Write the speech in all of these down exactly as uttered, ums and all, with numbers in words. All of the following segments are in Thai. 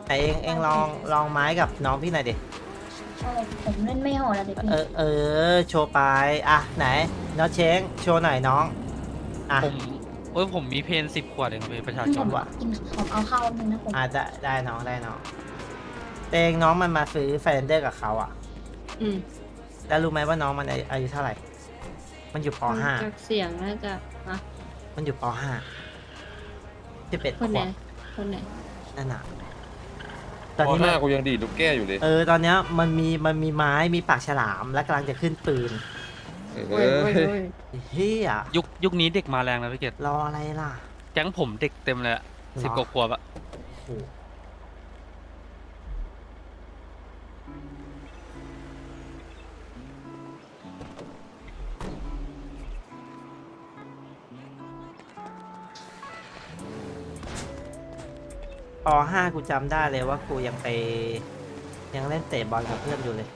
แต่เองเองลองลองไม้กับน้องพี่หน่อยดิเออผมเล่นไม่โหดอะเด็กพี่เออเออโชว์ไปอ่ะไหนน้องเช้งโชว์หน่อยน้องอ่ะผมเอ้ยผมมีเพนสิบขวดเองครับพี่ประชาชผนมกินผมเอาข้าวนึงนะผมอาจจะได้น้องได้น้องแต่เองน้องมันมาซื้อไฟแลนเดอร์กับเขาอ่ะอืมแล้วรู้ไหมว่าน้องมันอายุเท่าไหร่มันอยู่ปฟังห้าจากเสียงน่าจะอะมันอยู่ปห้าสิบเอ็ดคขนไหนวบคนไหนนั่นน่ะตอนพอนี้หมัน้าน กูยังดีดลูกแก้วอยู่เลยเออตอนเนี้ยมันมีมันมีไม้มีปากฉลามและกำลังจะขึ้นปืนเอโอ้ยโอ้ยอโอ้ยเฮียยุคยุคนี้เด็กมาแรงนะพี่เกดรออะไรล่ะแก๊งผมเด็กเต็มเลยอะสิบกว่าขวบอะโอ้โหปห้ากูจำได้เลยว่ากูยังไปยังเล่นเตะบอลกับเพื่อนอยู่เลย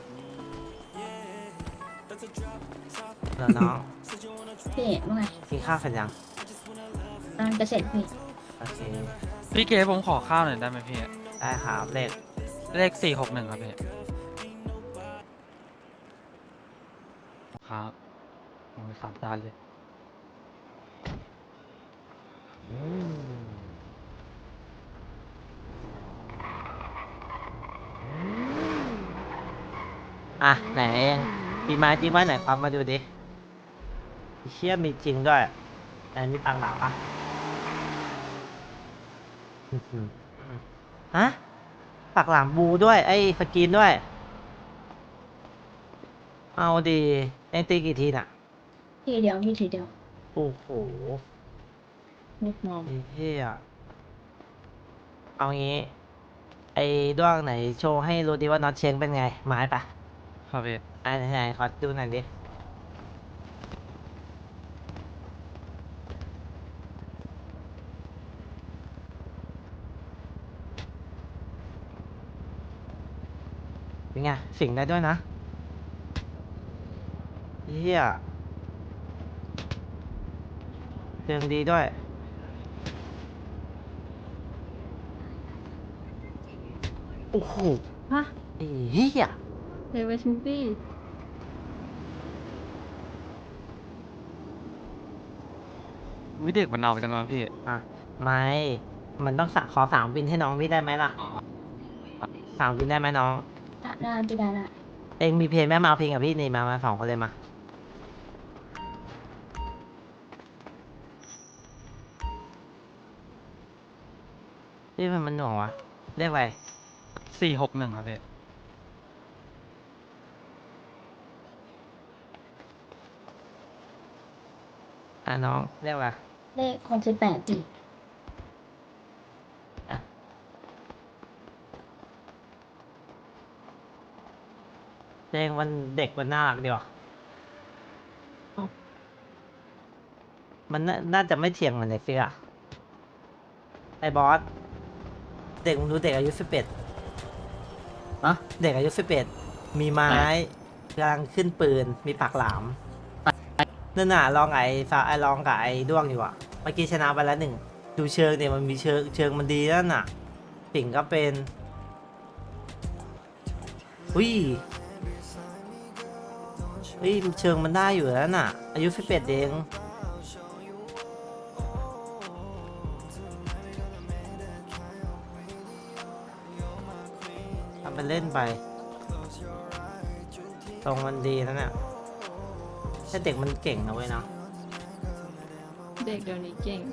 แล้วน้องพี่ว่าไงกินข้าวเสร็จยังกำลังจะเสร็จพี่โอเคพี่เกดผมขอข้าวหน่อยได้ไหมพี่ได้ครับเลขเลขสี่หกหนึ่งครับพี่ครับโอ้ยสามจานเลยอ่ะไหนเองมีไม้จริงว่าไหนความมาดูดิเชี่ยมีจริงด้วยแต่มีตังค์หนาปะอื้อหือฮะปักหลังบูด้วย ไอ้สกรีนด้วย เอาดีเอ็งตีกี่ทีน่ะทีเดียวพี่ทีเดียวโอ้โหมุกมองไอ้เหี้ยเอางี้ ไอ้ด้วงไหนโชว์ให้รู้ดิว่าน็อตเชงเป็นไง ไม้ปะครับพี่อ่ะไหนๆขอดูหน่อยดิ เป็นไง สิ่งได้ด้วยนะเฮียเสียงดีด้วย โอ้โหฮะไอ้เฮียเดวิสมูฟี่วิเด็กมันเอาจังเลยพี่อ่ะ ไม่ มันต้องสะขอสามวินให้น้องพี่ได้ไหมล่ะสามวินได้ไหมน้องได้ได้พี่ได้ละเองมีเพลงแม่มาเอาเพลงกับพี่นี่มา มาสองคนเลยมา พี่มันมันหน่วงวะ เรียกอะไรสี่หกหนึ่งครับพี่อ่ะน้องเรียกอะไรเลขหกสิบแปดพี่เพลงมันเด็กมันน่ารักดีว่ะมันน่าน่าจะไม่เถียงเหมือนในฟิกอะไอ้บอส เด็กมึงดูเด็กอายุสิบเอ็ดอะเด็กอายุสิบเอ็ดมีไม้กำลังขึ้นปืน มีปากหลาม นั่นน่ะลองไอ้ฟ้าไอ้ลองกับไอ้ด้วงอยู่อ่ะ เมื่อกี้ชนะไปแล้วหนึ่ง ดูเชิงเนี่ยมันมีเชิงเชิงมันดีนั่นน่ะปิ่งก็เป็นอุ้ยอุ้ยเชิงมันได้อยู่แล้วน่ะ อายุสิบเอ็ดเองทำเป็นเล่นไป ตรงมันดีแล้วเนี่ยถ้าเด็กมันเก่งนะเว้ยเนาะเด็กเดี๋ยวนี้เก่ง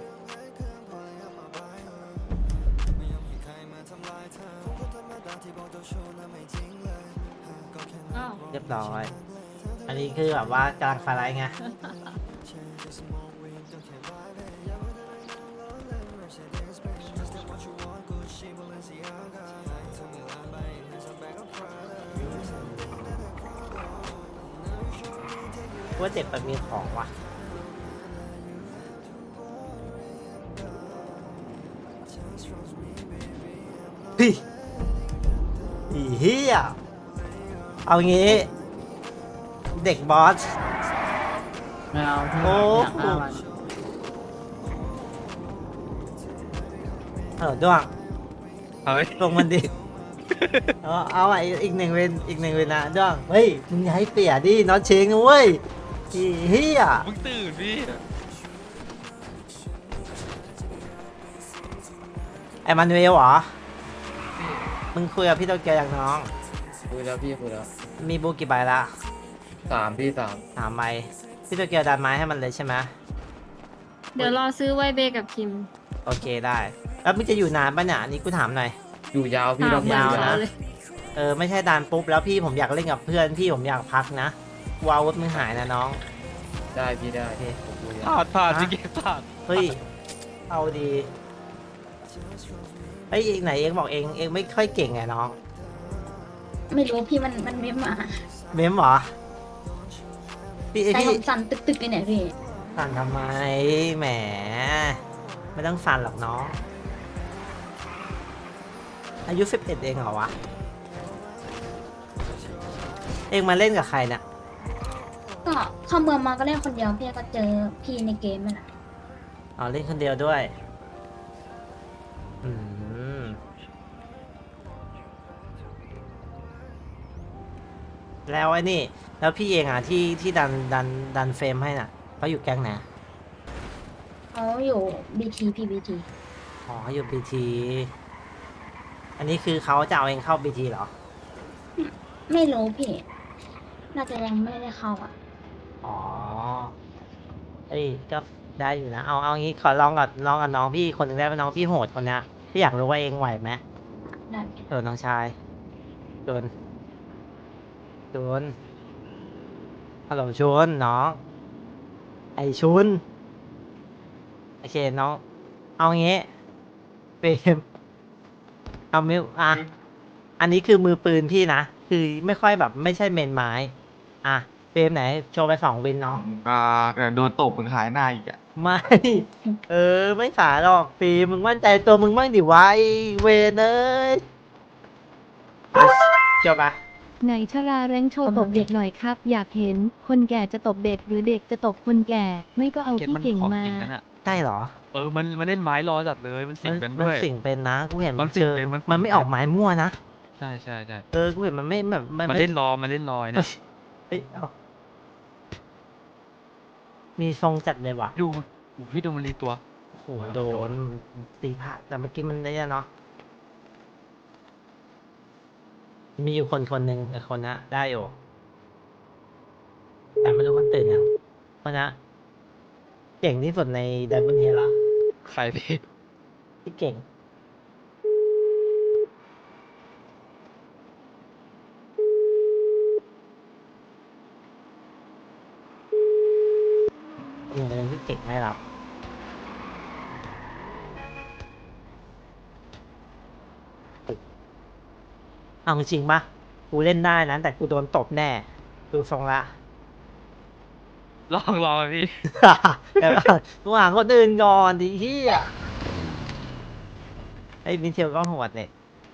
อ้าวเรียบร้อย อันนี้คือแบบว่ากำลังไฟไลท์ไง ว่าเด็กมันมีของว่ะพี่อีเหี้ยเอางี้ เด็กบอสไม่เอาที่โอ้อยากฆ่ามันเออด้วงเฮ้ยลงมันดิ เอาเอาอ่ะอีกอีกหนึ่งเวนอีกหนึ่งเวนนะด้วงเฮ้ยมึงอย่าให้เปียดิน็อตเชงนะเว้ยอีเฮียมึงตื่นพี่ไอ้มานูเอลเหรอมึงคุยกับพี่โตเกียวอย่างน้องคุยแล้วพี่คุยแล้วมีบูกี่ใบละสามพี่สามสามใบพี่โตเกียวดันไม้ให้มันเลยใช่ไหมเดี๋ยวรอซื้อไวเบกับคิมโอเคได้ แล้วมึงจะอยู่นานปะเนี่ยอันนี้กูถามหน่อยอยู่ยาวพี่ถามเราเหมือนยาวเขานะเลยเออไม่ใช่ดันปุ๊บแล้วพี่ผมอยากเล่นกับเพื่อนพี่ผมอยากพักนะกลัวอาวุธมึงหายนะน้องได้พี่ได้โอเคผมคุยแล้วผ่านผ่านฮะพี่เกมผ่านเฮ้ยเอาดีเฮ้ยเองไหนเองบอกเองเองไม่ค่อยเก่งไงน้องไม่รู้พี่มันมันไม่มาเมมเหรอพี่ไอใจพี่ผมสั่นตึกๆเลยเนี่ยพี่สั่นทำไมแหมไม่ต้องสั่นหรอกน้อง อายุสิบเอ็ดเองเหรอวะ เองมาเล่นกับใครเนี่ยก็เข้าเมืองมาก็เล่นคนเดียวพี่ก็เจอพี่ในเกมนั่นแหละอ๋อเล่นคนเดียวด้วย อืม แล้วไอ้นี่ แล้วพี่เองอ่ะที่ที่ดันดันดันเฟรมให้น่ะเขาอยู่แก๊งไหนเขาอยู่บีทีพีบีทีอ๋ออยู่บีทีอันนี้คือเขาจะเอาเองเข้าบีทีเหรอไม่รู้พี่ น่าจะยังไม่ได้เข้าอ่ะอ๋อ เอ้ยก็ได้อยู่นะ เอาเอางี้ขอลองกับลองกับน้องพี่คนหนึ่งได้ไหมน้องพี่โหดคนเนี้ยพี่อยากรู้ว่าเองไหวไหมได้เออน้องชายโดนโดนฮัลโหลชุนน้อง ไอชุนโอเคน้อง เอางี้เฟรมเอามิวอ่ะ อันนี้คือมือปืนพี่นะ คือไม่ค่อยแบบไม่ใช่เมนไม้ อ่ะเฟรมไหน โชว์ไปสองวินน้องอ่าเดี๋ยวโดนตบมึงหายหน้าอีกอ่ะไม่ เออ ไม่สาหรอกฟิล์มมึงมั่นใจตัวมึงบ้างดิวะไอ้เวนเอ้ยเจ้าปะไหนชราแรงโชว์ตบเด็กหน่อยครับ อยากเห็นคนแก่จะตบเด็กหรือเด็กจะตบคนแก่ ไม่ก็เอาเกมที่มันเก่งของมาจริงนั่นอ่ะได้เหรอเออมันมันเล่นไม้รอจัดเลยมันสิงมันเป็นมันด้วยสิ่งเป็นนะ กูเห็นมันสิ่เจงอเป็นมันมันไม่ออกหมายมั่วนะใช่ใช่ใช่เออ กูเห็นมันไม่แบบมันเล่นรอมันเล่นรอยเนี่ยเฮ้ยเอามีทรงจัดเลยว่ะดูโอ้โหพี่ดูมันรีตัวโอ้โหโดนตีผ่าแต่เมื่อกี้มันได้เนาะ มีอยู่คนคนหนึ่งแต่คนนะได้อยู่ แต่ไม่รู้มันตื่นยังคนนะเก่งที่สุดในดับเบิลเฮดเหรอใครพี่ที่เก่ง อย่างเรื่องที่เก่งไม่รับเอาจริงๆปะกูเล่นได้นะแต่กูโดนตบแน่ ดูทรงละลองลองพี่แต่ว่ากูหาคนอื่นก่อนดิเฮียไอ้มิเทลก็โหดเนี่ย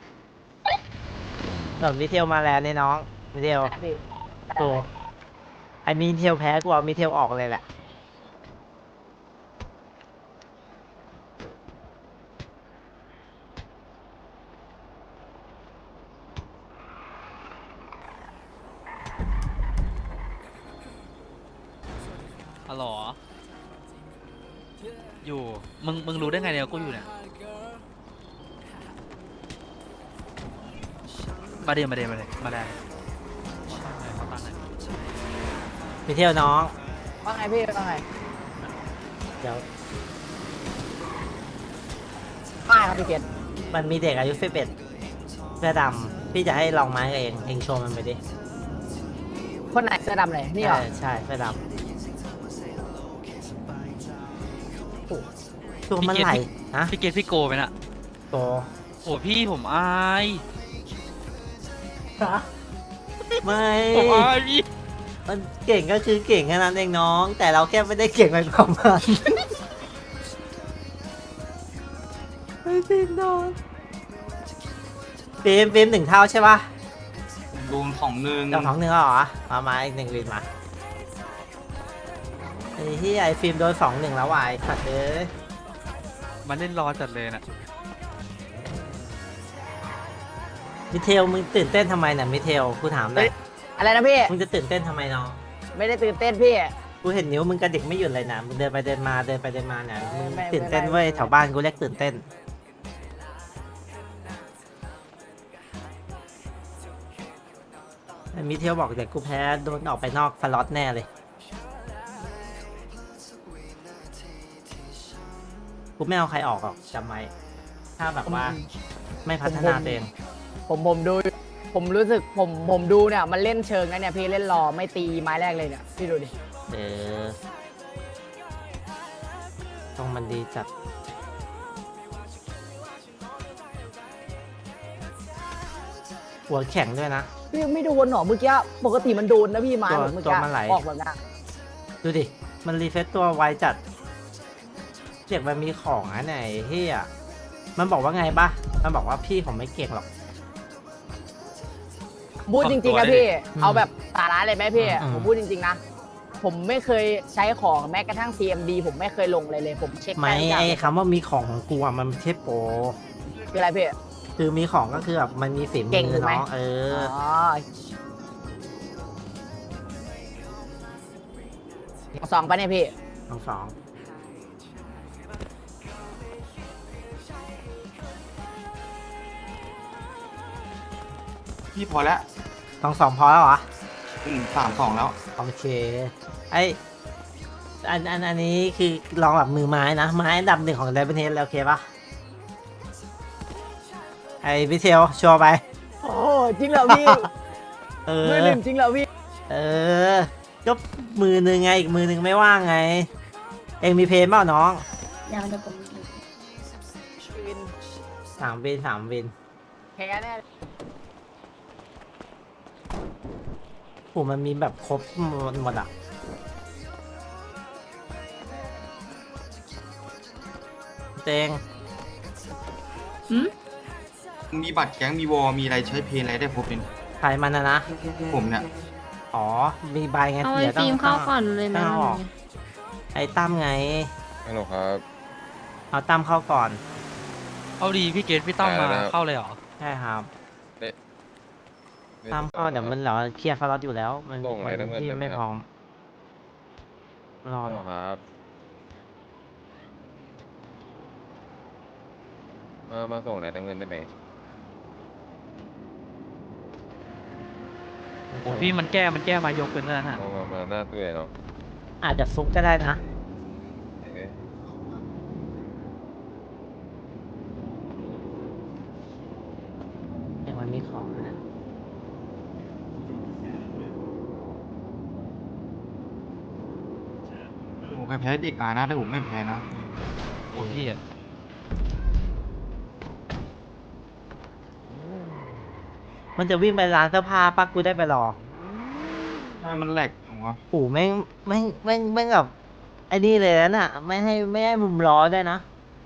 ส่วนมิเทลมาแล้วเนี่ยน้องมิเทลโอ้ไอ้มิเทลแพ้กูเอามิเทลออกเลยแหละอ๋อเหรออยู่ มึง มึงรู้ได้ไงเนี่ยกูอยู่เนี่ย มาเดียวมาเดียวมาเดียวมาได้เขาตั้งไหนมิเทลน้องว่าไงพี่ว่าไงเดี๋ยวป้ายครับพี่เกศมันมีเด็กอายุสิบเอ็ดเสื้อดำพี่จะให้ลองไม้กับเองเองโชว์มันไปดิคนไหนเสื้อดำเลยนี่เหรอใช่ใช่เสื้อดำตัวมันไหลฮะพี่เกตพี่โกไปน่ะโตโอ้พี่ผมอายไม่ผมอายพี่มันเก่งก็คือเก่งแค่นั้นเองน้อง แต่เราแค่ไม่ได้เก่งไปกว่ามันไม่จริงน้องเฟรมเฟรมหนึ่งเท่าใช่ปะรวมของหนึ่งเจ้าของหนึ่งแล้วเหรอมามาอีกหนึ่งวินมาไอ้ที่ไอ้ฟิล์มโดนสองหนึ่งแล้ววายสัตว์เอ้ยมันเล่นรอจัดเลยน่ะมิเทลมึงตื่นเต้นทำไมเนี่ยมิเทลกูถามหน่อยอะไรนะพี่มึงจะตื่นเต้นทำไมน้องไม่ได้ตื่นเต้นพี่กูเห็นนิ้วมึงกระดิกไม่หยุดเลยนะมึงเดินไปเดินมาเดินไปเดินมาเนี่ยมึงไม่ไม่ตื่นเต้นไม่เว้ยไม่แถวบ้านกูเรียกตื่นเต้นไอ้มิเทลบอกเดี๋ยวกูแพ้โดนออกไปนอกสล็อตแน่เลยกูไม่เอาใครออกหรอกจำไว้ถ้าแบบว่าไม่พัฒนาตัวเองผมผมดู ผมรู้สึกผมผมดูเนี่ยมันเล่นเชิงนะเนี่ยพี่เล่นรอไม่ตีไม้แรกเลยเนี่ยพี่ดูดิเออต้องมันดีจัดหัวแข็งด้วยนะพี่ไม่โดนหรอเมื่อกี้ปกติมันโดนนะพี่ไม้ตัวเมื่อตัวกี้มันไหลออกแบบนั้นดูดิ มันรีเฟซตัวไวจัดเจ็กมันมีของอะไหนเฮียมันบอกว่าไงปะมันบอกว่าพี่ผมไม่เก่งหรอกพูดจริงๆนะพี่อืมเอาแบบสาระเลยไหมพี่อืมผมพูดจริงๆนะ ผมไม่เคยใช้ของแม้กระทั่ง ซี เอ็ม ดี ผมไม่เคยลงเลยเลย ผมเช็คไม่ด้ทุกย่างไอ้คำว่ามีของของกูอะมันไม่ใช่โปรคืออะไรพี่คือมีของก็คือแบบมันมีฝีมืเก่งอถูกไหมเนาะเอออ๋อสองปะเนี่ยพี่ทั้งสองพี่พอแล้วทั้งสองพอแล้วเหรออืมสามสองแล้วโอเค ไออันอันอันนี้คือลองแบบมือไม้นะ ไม้อันดับหนึ่งของไดบันเทสแล้วโอเคปะไอพิเทลชัวร์ไปโอ้จริงเหรอพี่เออมือหนึ่งจริงเหรอพี่เออ ก็มือหนึ่งไง อีกมือหนึ่งไม่ว่างไง เองมีเพลงเปล่าน้องเดี๋ยวเดี๋ยวผมสามวินสามวินแพ้แน่โหมันมีแบบครบหมดหมดอ่ะเตงหืมมีบัตรแก๊งมีวอลมีอะไรใช้เพลงอะไรได้ครบเป็นใครมันนะนะผมเนี่ยอ๋อ มีใบไงเอาไอ้เดี๋ยวต้อฟิงล์มเข้าก่อนเลยไหมต้องเอาออก ไอ้ตั้มไงฮัลโหลครับเอาตั้มเข้าก่อนเอาดีพี่เกตพี่ตั้มมาได้แล้วเข้าเลยเหรอใช่ครับได้ได้ตั้มเข้าเดี๋ยวมันเหรอเคลียร์ฟลอตอยู่แล้ว มันส่งไหนมันทั้งหมดที่เลยไหมไม่ครับพร้อมรอฮัลโหลครับมามาส่งไหนทั้งเงินได้ไหมโอ้พี่มันแก้มันแก้มายกเป็นนั่นน่ะมามามาหน้าตู้ใหญ่เนาะอาจจะฟุกก็ได้นะเอ้ยอย่างมันมีของนะผมเคยแพ้เด็กอานะแต่ผมไม่แพ้นะโอ้พี่อะมันจะวิ่งไปร้านเสื้อผ้าปักกูได้ไปรอใช่มันแหลกผมว่าโอ้แม่งแม่งแม่งแม่งแบบไอ้นี่เลยนะน่ะ ไม่ให้ไม่ให้มุมล้อได้วยนะ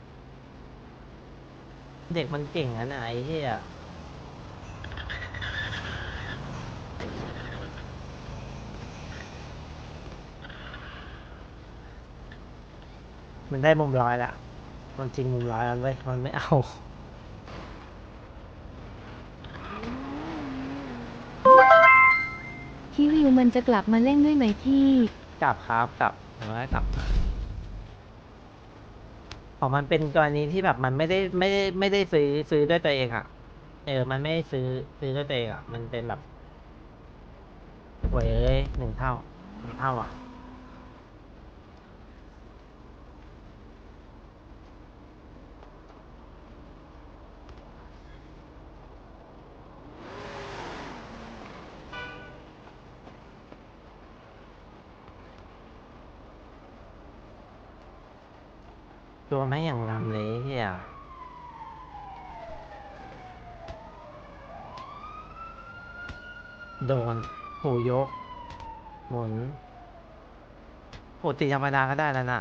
เด็กมันเก่งนะน่ะไอ้เหี้ยมันได้มุมร้อยละมันจริงมุมร้อยแล้วเว้ยมันไม่เอาคิริวมันจะกลับมาเล่นด้วยไหมพี่กลับครับกลับผมว่ากลับของมันเป็นกรณีที่แบบมันไม่ได้ไม่ได้ไม่ได้ซื้อซื้อด้วยตัวเองอ่ะ เออ มันไม่ได้ซื้อซื้อด้วยตัวเองอ่ะ มันเป็นแบบโว้ยเอ้ยหนึ่งเท่าหนึ่งเท่าอ่ะ ตัวไม่อย่างงามเลยเฮียโดนหูยก หมุนปกติธรรมดาก็ได้แล้วน่ะ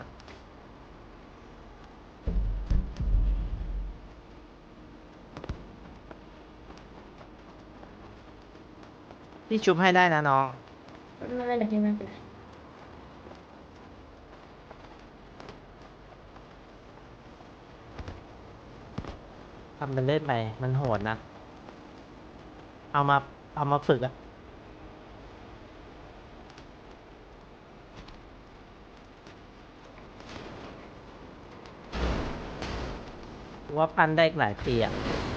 พี่ชุบให้ได้นะน้องไม่เป็นไรพี่ไม่เป็นไรทำเป็นเล่นไป มันโหดนะเอามาเอามาฝึกอะว่าปั้นได้อีกหลายปีอะ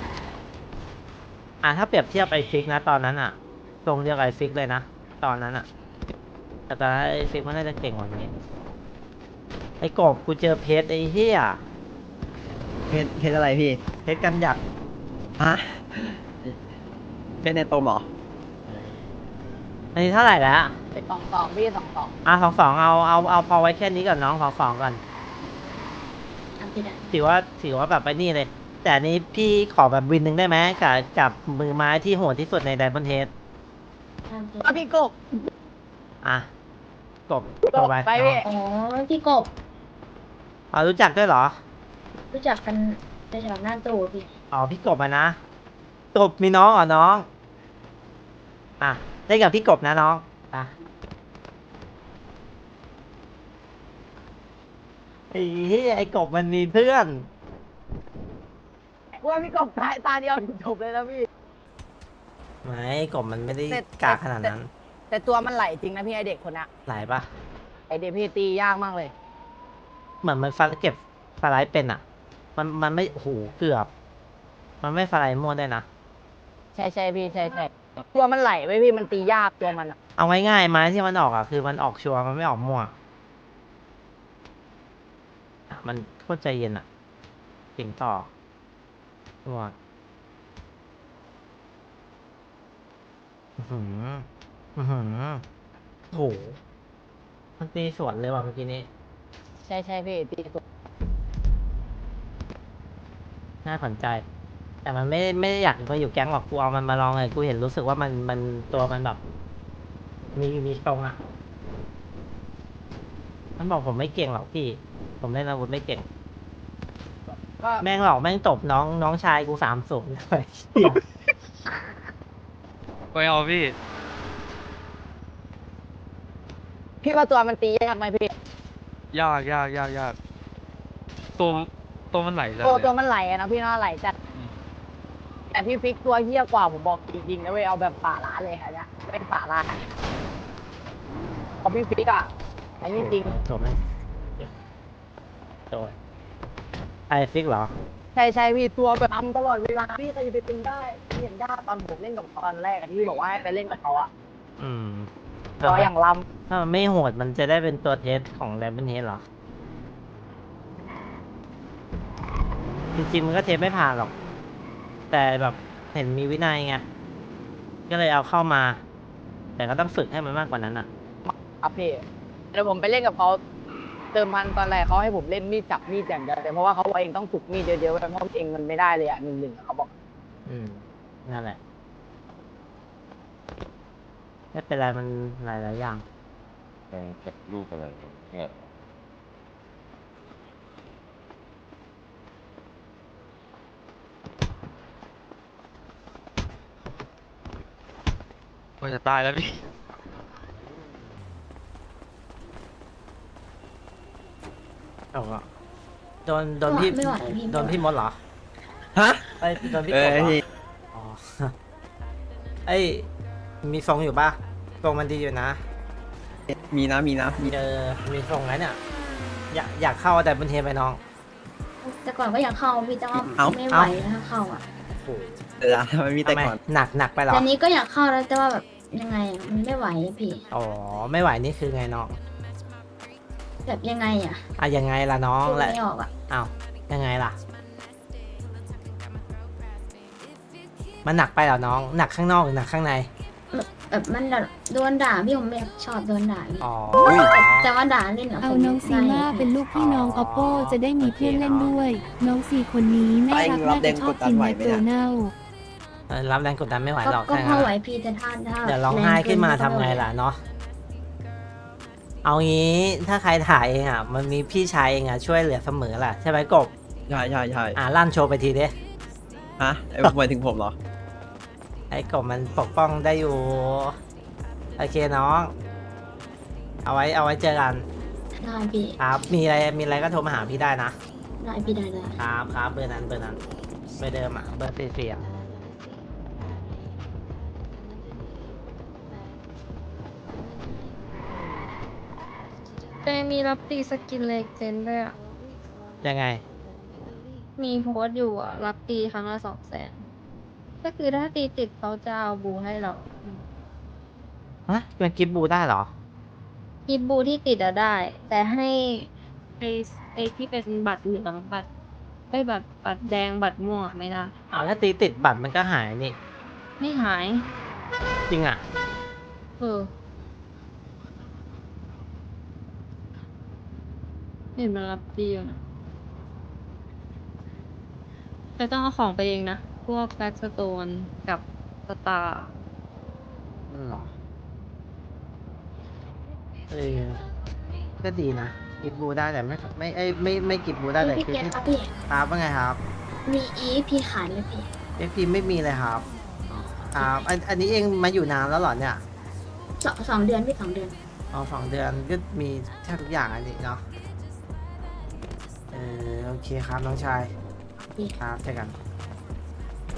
อ่ะถ้าเปรียบเทียบไอฟิกนะตอนนั้นอะตรงเรียกไอฟิกเลยนะตอนนั้นอะแต่ตอนนั้นไอฟิกมันน่าจะเก่งกว่านี้ไอกบกูเจอเพชรไอเหี้ยเพชรเพชรอะไรพี่เพชรกันหยักฮะ เพชรในโตมเหรออันนี้เท่าไหร่แล้วสองสองพี่สองสองอ่ะสองสองเอาเอาเอาพอไว้แค่นี้ก่อนน้องสองสองก่อนอันที่ได้ถือว่าถือว่าแบบไปนี่เลย แต่อันนี้พี่ขอแบบวินหนึ่งได้ไหมกับกับมือไม้ที่โหดที่สุดในไดมอนเฮดอันที่ก็พี่กบอ่ะกบกบไปไปพี่อ๋อพี่กบอ๋อรู้จักด้วยเหรอรู้จักกันในแถวหน้าตู้พี่อ๋อพี่กบอ่ะนะกบมีน้องเหรอน้อง อ่ะได้กับพี่กบนะน้องอ่ะไอ้เหี้ยไอ้กบมันมีเพื่อนว่าพี่กบตายตาเดียวจบเลยนะพี่ไม่กบมันไม่ได้แต่กากขนาดนั้นแต่ตัวมันไหลจริงนะพี่ไอเด็กคนน่ะหลายปะไอเด็กพี่ตียากมากเลยเหมือนมันฟันเก็บสไลด์เป็นอ่ะ มันมันไม่โอ้โหเกือบ มันไม่สไลด์มั่วได้นะใช่ใช่พี่ใช่ใช่ตัวมันไหลไว้พี่มันตียากตัวมันอะเอาง่ายๆไม้ที่มันออกอ่ะคือมันออกชัวร์มันไม่ออกมั่วอ่ะมันโคตรใจเย็นอ่ะเก่งต่อมั่วอื้อหืออื้อหือโอ้โหมันตีสวนเลยว่ะเมื่อกี้นี้ใช่ใช่พี่ตีสุดน่าสนใจ แต่มันไม่ไม่ได้อยากมาอยู่แก๊งหรอกกูเอามันมาลองเลยกูเห็นรู้สึกว่ามันมันตัวมันแบบ มีมีตรงอ่ะ มันบอกผมไม่เก่งหรอกพี่ ผมเล่นอาวุธไม่เก่งก็แม่งหลอกแม่งตบน้องน้องชายกูสามสูงเลยไม่เอาพี่พี่ว่าตัวมันตียากไหมพี่ยากยากยากยากตัวตัวมันไหลจังตัวเลยตัวมันไหลอะนะพี่น่าไหลจัดอืมแต่พี่ฟิกตัวเฮี้ยกว่าผมบอกจริงๆนะเว้ยเอาแบบป่าล้าเลยค่ะเนี่ยเป็นป่าล้าเอาพี่ฟิกอะอันนี้จริงจบไหมโดยไอฟิกเหรอใช่ใช่พี่ตัวแบบทำตลอดเวลาพี่ใครจะไปเป็นได้พี่เห็นได้ตอนผมเล่นกับตอนแรกอะที่พี่บอกว่าให้ไปเล่นกับเขาอะอืมตัวอย่างลถ้ามันไม่โหดมันจะได้เป็นตัวเทสของแรมเบิลเฮดเหรอ จริงๆมันก็เทสไม่ผ่านหรอก แต่แบบเห็นมีวินัยไง ก็เลยเอาเข้ามา แต่ก็ต้องฝึกให้มันมากกว่านั้นอ่ะำครับพี่เดี๋ยวผมไปเล่นกับเขาเติมพันตอนแรกเขาให้ผมเล่นมีดจับมีดอย่างเดียวแต่เพราะว่าเขาเองต้องฝึกมีดเยอะๆเพราะเองมันไม่ได้เลยอะหนึ่งหนึ่งเขาบอกอืม นั่นแหละ ไม่เป็นไรมันหลายๆอย่างแกงเก็บรูปอะไรเนี่ยมันจะตายแล้วพี่เอาก็โดนโดนพี่ไม่ไหวพี่โดนพี่มดเหรอฮะไอ้ยโดนพี่เอกบอเหรอพี่อ๋อ ไอ้ยมีทรงอยู่ป่ะทรงมันดีอยู่นะมีนะ มีนะ มีเจอมีทรงไหมเนี่ย อยากอยากเข้าแต่บนเทไปน้องแต่ก่อนก็อยากเข้าพี่แต่ว่าเอ้าไม่ไหวถ้าเข้าอ่ะเดี๋ยวนะทำไมมีแต่ทำไมก่อนหนักหนักไปเหรอแต่นี้ก็อยากเข้าแล้วแต่ว่าแบบยังไงอะมันไม่ไหวอะพี่อ๋อ ไม่ไหวนี่คือไงน้องแบบยังไงอ่ะอ่ะยังไงล่ะน้องพูดและไม่ออกอ่ะอ้าวยังไงล่ะ มันหนักไปเหรอน้อง หนักข้างนอกหรือหนักข้างในแบบมันแบบโดนด่าพี่ผมไม่ชอบโดนด่าพี่อ๋อแต่แต่ว่าด่าเล่นอะเอาผมน้องซีมาเป็นลูกพี่น้องออปโปจะได้มีเพื่อนเล่นด้วย น้องซีคนนี้น่ารักน่าจะชอบกินแมคโดนัลด์เออรับแรงกดดันไม่ไหวก็หรอกก็ถ้าพองั้นไหวอะพี่แต่ถ้าถ้าเดี๋ยวร้องไห้ขึ้นมาทำไงล่ะเนาะ เอางี้ถ้าใครถ่ายเองอ่ะ มันมีพี่ชายเองอ่ะช่วยเหลือเสมอแหละใช่ไหมกบใช่ใช่ใช่อ่ะลั่นโชว์ไปทีเด้ฮะไอ้หมายถึงผมเหรอไอ้กบมันปกป้องได้อยู่ โอเคน้อง เอาไว้เอาไว้เจอกันได้พี่ครับ มีอะไรมีอะไรก็โทรมาหาพี่ได้นะได้พี่ได้ได้ครับครับเบอร์นั้นเบอร์นั้นเบอร์เดิมอ่ะเบอร์สี่สี่อ่ะแต่มีรับตีสกินเลเจนด์ด้วยอ่ะยังไงมีโพสต์อยู่อ่ะ รับตีครั้งละสองแสนก็คือถ้าตีติดเขาจะเอาบูให้เราฮะเป็นกิฟต์บูได้เหรอกิฟบูที่ติดอะได้ แต่ให้ไอไอที่เป็นบัตรเหลืองบัตรไอยบัตรบัตรแดงบัตรม่วงอะไม่ได้อ๋อถ้าตีติดบัตรมันก็หายนี่ไม่หายจริงอ่ะเออเห็นมันรับดีอยู่นะแต่ต้องเอาของไปเองนะ พวกแบ็กสโตนกับสตาร์อืมเออก็ดีนะกิฟต์บูได้แต่ไม่ไม่ไอยไม่ไม่กิฟต์บูได้แต่พี่คือเกตที่ครับพี่ครับว่าไงครับมีอีพี่ขายเลยพี่เอฟพีไม่มีเลยครับครับอันอันนี้เองมาอยู่นานแล้วเหรอเนี่ยสองสองเดือนพี่สองเดือนอ๋อสองเดือนก็มีแทบทุกอย่างอันนี้เนาะ เออโอเคครับน้องชายพี่ครับเจอกัน